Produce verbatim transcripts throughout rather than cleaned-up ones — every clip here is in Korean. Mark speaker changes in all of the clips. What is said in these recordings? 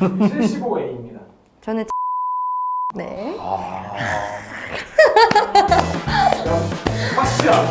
Speaker 1: 칠십오 에이입니다.
Speaker 2: 저는 네.
Speaker 1: 아... 확실하.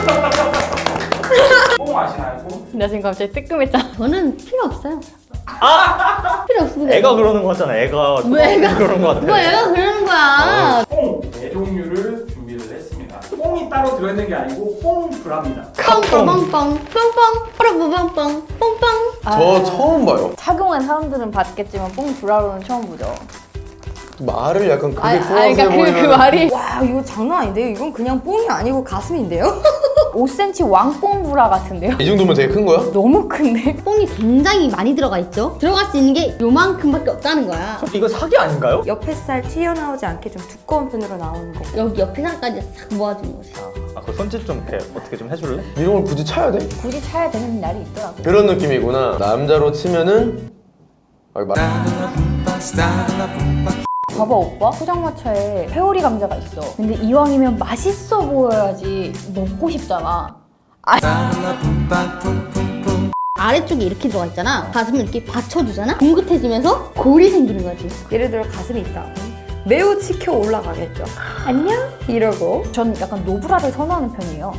Speaker 1: 뽕 아시나요? 뽕?
Speaker 2: 나 지금 갑자기 뜨끔했잖아.
Speaker 3: 저는 필요 없어요.
Speaker 4: 아!
Speaker 3: 필요 없습니다.
Speaker 4: 애가 그러는 거잖아. 애가
Speaker 3: 왜 애가
Speaker 4: 그러는 거 같아.
Speaker 3: 뭐 애가 그러는 거야.
Speaker 1: 뽕 네 종류를 준비를 했습니다. 뽕이 따로 들어있는 게 아니고 뽕 브라입니다.
Speaker 3: 뻥뻥뻥뻥 뻥뻥 빠라부뻥뻥 뻥뻥.
Speaker 5: 저 처음 봐요.
Speaker 2: 착용한 사람들은 봤겠지만 뽕 브라로는 처음 보죠.
Speaker 5: 말을 약간 그게
Speaker 2: 아니,
Speaker 5: 좋아서
Speaker 2: 아니, 그러니까 그, 그
Speaker 5: 보이면
Speaker 2: 말이 와 이거 장난 아닌데요? 이건 그냥 뽕이 아니고 가슴인데요? 오 센티미터 왕뽕 브라 같은데요?
Speaker 5: 이 정도면 되게 큰 거야?
Speaker 2: 너무 큰데?
Speaker 3: 뽕이 굉장히 많이 들어가 있죠. 들어갈 수 있는 게 요만큼밖에 없다는 거야.
Speaker 4: 이거 사기 아닌가요?
Speaker 2: 옆에 살 튀어나오지 않게 좀 두꺼운 편으로 나오는 거.
Speaker 3: 여기 옆에 살까지 싹 모아주는 거지.
Speaker 4: 아, 그 손짓 좀 이렇게 어떻게 좀 해줄래?
Speaker 5: 이런 걸 굳이 차야 돼?
Speaker 2: 굳이 차야 되는 날이 있더라고.
Speaker 5: 그런 느낌이구나. 남자로 치면은 아, 말...
Speaker 2: 봐봐 오빠 포장마차에 회오리 감자가 있어. 근데 이왕이면 맛있어 보여야지 먹고 싶잖아.
Speaker 3: 아래쪽에 이렇게 들어가 있잖아. 가슴을 이렇게 받쳐주잖아. 뭉긋해지면서 골이 생기는 거지.
Speaker 2: 예를 들어 가슴이 있다. 매우 치켜 올라가겠죠. 안녕 이러고. 전 약간 노브라를 선호하는 편이에요.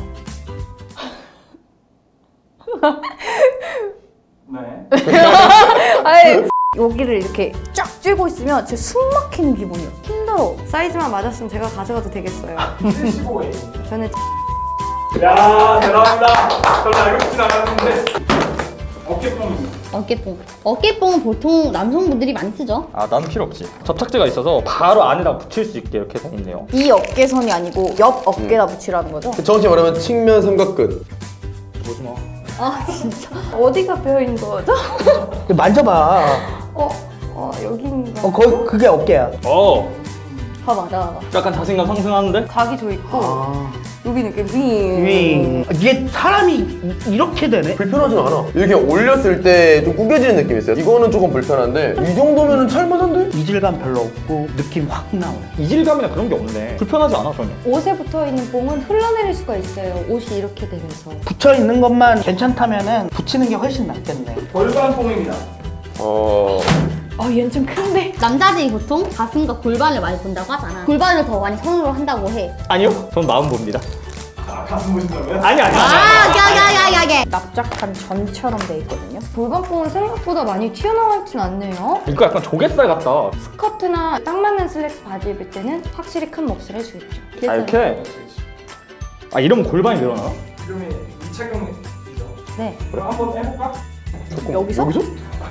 Speaker 1: 네.
Speaker 2: 아니 여기를 이렇게 쫙 쥐고 있으면 제 숨 막히는 기분이에요. 힘들어. 사이즈만 맞았으면 제가 가져가도 되겠어요.
Speaker 1: 칠십오 에이.
Speaker 2: 저는
Speaker 1: 야 대단합니다. 저는 알고 싶진 않았는데 어깨뽕입니다.
Speaker 3: 어깨뽕. 어깨뽕은 보통 남성분들이 많이 쓰죠.
Speaker 4: 아, 난 필요 없지. 접착제가 있어서 바로 안에다 붙일 수 있게 이렇게 돼 있네요.
Speaker 2: 이 어깨선이 아니고 옆 어깨다 붙이라는 거죠?
Speaker 5: 정확히 말하면 측면 삼각근.
Speaker 4: 보지 마.
Speaker 3: 아 진짜.
Speaker 2: 어디가 베어있는 거죠?
Speaker 6: 만져봐.
Speaker 2: 어? 어 여기인가?
Speaker 6: 어, 거기 그게 어깨야.
Speaker 4: 어,
Speaker 3: 봐봐, 봐봐.
Speaker 4: 약간 자신감 상승하는데?
Speaker 2: 각이 져 있고
Speaker 6: 아.
Speaker 2: 여기는 이렇게 윙.
Speaker 6: 윙. 이게 사람이 이- 이렇게 되네.
Speaker 5: 불편하진 않아. 이렇게 올렸을 때 좀 구겨지는 느낌이 있어요. 이거는 조금 불편한데 이 정도면은 찰만한데?
Speaker 6: 이질감 별로 없고 느낌 확 나와.
Speaker 4: 이질감이나 그런 게 없네. 불편하지 않아, 전혀.
Speaker 2: 옷에 붙어있는 뽕은 흘러내릴 수가 있어요. 옷이 이렇게 되면서.
Speaker 6: 붙여 있는 것만 괜찮다면은 붙이는 게 훨씬 낫겠네.
Speaker 1: 골반 뽕입니다.
Speaker 5: 어...
Speaker 2: 아 얘는 좀 큰데?
Speaker 3: 남자들이 보통 가슴과 골반을 많이 본다고 하잖아. 골반을 더 많이 선호를 한다고 해.
Speaker 4: 아니요, 전 마음 봅니다.
Speaker 1: 아 가슴 보신다고요?
Speaker 4: 아니, 아니, 아니.
Speaker 3: 아, 야야야야야.
Speaker 2: 납작한 전처럼 돼 있거든요. 골반뽕은 생각보다 많이 튀어나와 있진 않네요.
Speaker 4: 이거 약간 조갯살 같다.
Speaker 2: 스커트나 딱 맞는 슬랙스 바지 입을 때는 확실히 큰 몫을 해주겠죠.
Speaker 4: 아, 이렇게? 아, 이러면 골반이 늘어나?
Speaker 1: 이름이 이착용이죠.
Speaker 2: 네.
Speaker 1: 그럼 한번 해볼까?
Speaker 2: 여기서?
Speaker 4: 여기서?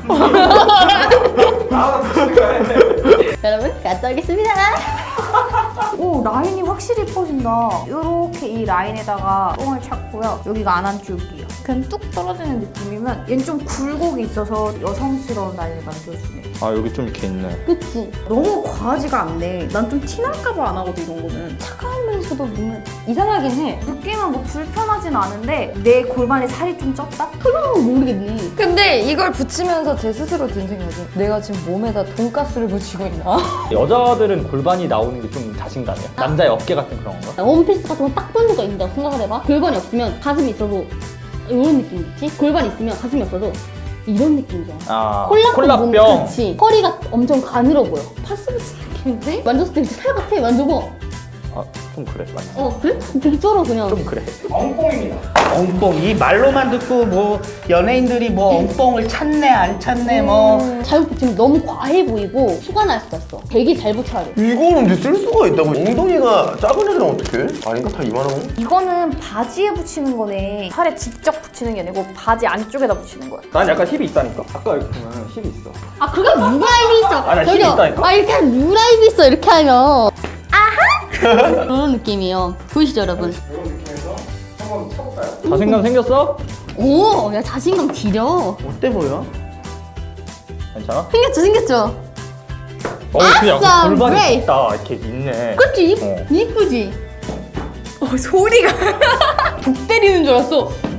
Speaker 1: 아 좋습니다.
Speaker 3: 여러분, 갔다 오겠습니다.
Speaker 2: 오 라인이 확실히 이뻐진다. 이렇게 이 라인에다가 뽕을 찾고요. 여기가 안안쪽이에요. 그냥 뚝 떨어지는 느낌이면 얘는 좀 굴곡이 있어서 여성스러운 라인을 만들어주네.
Speaker 4: 아, 여기 좀 이렇게 있네.
Speaker 3: 그치?
Speaker 2: 너무 과하지가 않네. 난 좀 티날까봐 안 하거든 이런 거는. 차가우면서도 뭔가 이상하긴 해. 느낌은 뭐 불편하진 않은데 내 골반에 살이 좀 쪘다?
Speaker 3: 그럼 모르겠니.
Speaker 2: 근데 이걸 붙이면서 제 스스로 든 생각이 내가 지금 몸에다 돈가스를 붙이고 있나?
Speaker 4: 여자들은 골반이 나오는 게 좀 자신감이야. 남자의 어깨 같은 그런 건가?
Speaker 3: 원피스 같은 거 딱 붙는 거 입는다고 생각을 해봐. 골반이 없으면 가슴이 있어도 이런 느낌이겠지? 골반이 있으면 가슴이 없어도 이런 느낌이잖아.
Speaker 4: 아,
Speaker 3: 콜라병.
Speaker 4: 콜라병.
Speaker 3: 그치. 허리가 엄청 가늘어 보여. 파스 붙이는 느낌인데? 만졌을 때 진짜 살 같아. 만져봐.
Speaker 4: 아, 좀 그래, 맞지?
Speaker 3: 어, 그래? 되게 쩔어, 그냥.
Speaker 4: 좀 그래.
Speaker 1: 엉뽕입니다.
Speaker 6: 엉뽕. 이 말로만 듣고 뭐 연예인들이 뭐 엉뽕을 찾네 안 찾네 뭐.
Speaker 3: 잘못 붙이면 너무 과해 보이고 수가 날 수가 있어. 되게 잘 붙여야 돼.
Speaker 5: 이거는 근데 쓸 수가 있다고. 엉덩이가 작은 애들은 어떡해? 아닌가? 다 이만한 거?
Speaker 2: 이거는 바지에 붙이는 거네. 살에 직접 붙이는 게 아니고 바지 안쪽에다 붙이는 거야.
Speaker 4: 난 약간 힙이 있다니까. 아까 이렇게 보면 힙이 있어.
Speaker 3: 아, 그게 유라입이 있어.
Speaker 4: 아, 나 힘이
Speaker 3: 저기요.
Speaker 4: 있다니까?
Speaker 3: 아, 이렇게 하면 유라입이 있어. 이렇게 하면. 아하! 그런 느낌이에요. 보이시죠, 여러분?
Speaker 1: 이런 느낌에서 한번 쳐볼까요?
Speaker 4: 자신감 생겼어?
Speaker 3: 오, 야, 자신감 지려.
Speaker 6: 어때 보여?
Speaker 4: 괜찮아?
Speaker 3: 생겼죠, 생겼죠?
Speaker 4: 어, 그냥
Speaker 3: 아싸,
Speaker 4: 골반이
Speaker 3: 브레이.
Speaker 4: 있다. 이렇게 있네.
Speaker 3: 그치? 이-
Speaker 4: 어.
Speaker 3: 이쁘지?
Speaker 2: 어 소리가
Speaker 3: 북 때리는 줄 알았어.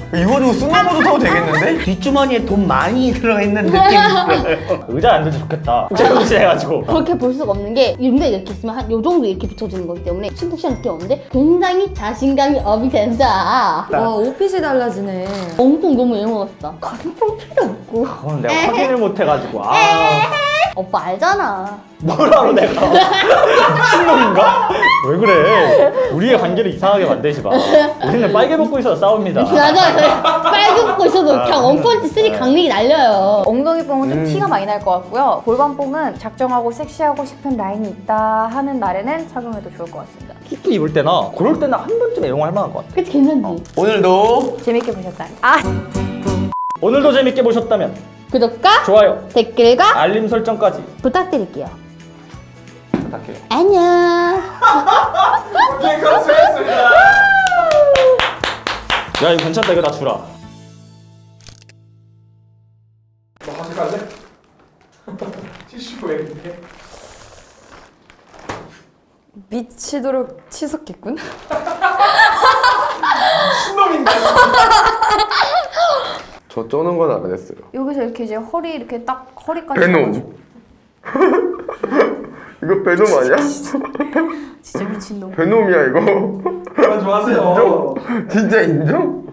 Speaker 5: 이거 가지고 스노보드 타도 되겠는데?
Speaker 6: 뒷주머니에 돈 많이 들어있는 느낌이 들어요.
Speaker 4: 의자에 앉으면 좋겠다. 제정신해가지고.
Speaker 3: 그렇게 볼 수가 없는 게 윤대 이렇게 있으면 한 요 정도 이렇게 붙여주는 거기 때문에 푹신푹신한 느낌 없는데 굉장히 자신감이 업이 된다.
Speaker 7: 와 옷핏이 달라지네.
Speaker 3: 엉뚱 너무 애먹었어. 가슴뽕 필요 없고.
Speaker 4: 그건 내가 확인을 못해가지고. 아,
Speaker 3: 오빠 알잖아.
Speaker 4: 뭐라고 내가. 미친놈인가? 왜 그래? 우리의 관계를 이상하게 만들지 마. 우리는 빨개 먹고 있어서 싸웁니다.
Speaker 3: 맞아. 빨개 먹고 있어도 그냥 원펀치 쓰리 강력이 날려요.
Speaker 2: 엉덩이 뽕은 좀
Speaker 5: 음.
Speaker 2: 티가 많이 날 것 같고요. 골반 뽕은 작정하고 섹시하고 싶은 라인이 있다 하는 날에는 착용해도 좋을 것 같습니다.
Speaker 4: 수트 입을 때나 그럴 때는 한 번쯤 애용할 만한 것 같아.
Speaker 3: 그치 괜찮지?
Speaker 5: 오늘도
Speaker 2: 재밌게 보셨다. 아,
Speaker 4: 오늘도 재밌게 보셨다면
Speaker 3: 구독과
Speaker 4: 좋아요,
Speaker 3: 댓글과
Speaker 4: 알림 설정까지
Speaker 3: 부탁드릴게요.
Speaker 4: 부탁해요.
Speaker 3: 안녕.
Speaker 1: 오케이, 그럼 수고했습니다.
Speaker 4: 야 이거 괜찮다. 이거 나 주라.
Speaker 1: 너 가져갈래? 티슈 왜 이렇게?
Speaker 7: 미치도록 치솟겠군.
Speaker 1: 신놈인가?
Speaker 5: 저 쩌는 건 안 했어요.
Speaker 2: 여기서 이렇게 이제 허리 이렇게 딱 허리까지
Speaker 5: 베놈.
Speaker 2: 잡아주고.
Speaker 5: 이거 베놈 아니야?
Speaker 2: 진짜 미친놈.
Speaker 5: 베놈이야 이거.
Speaker 1: 그만 좀 하세요.
Speaker 5: 진짜 인정?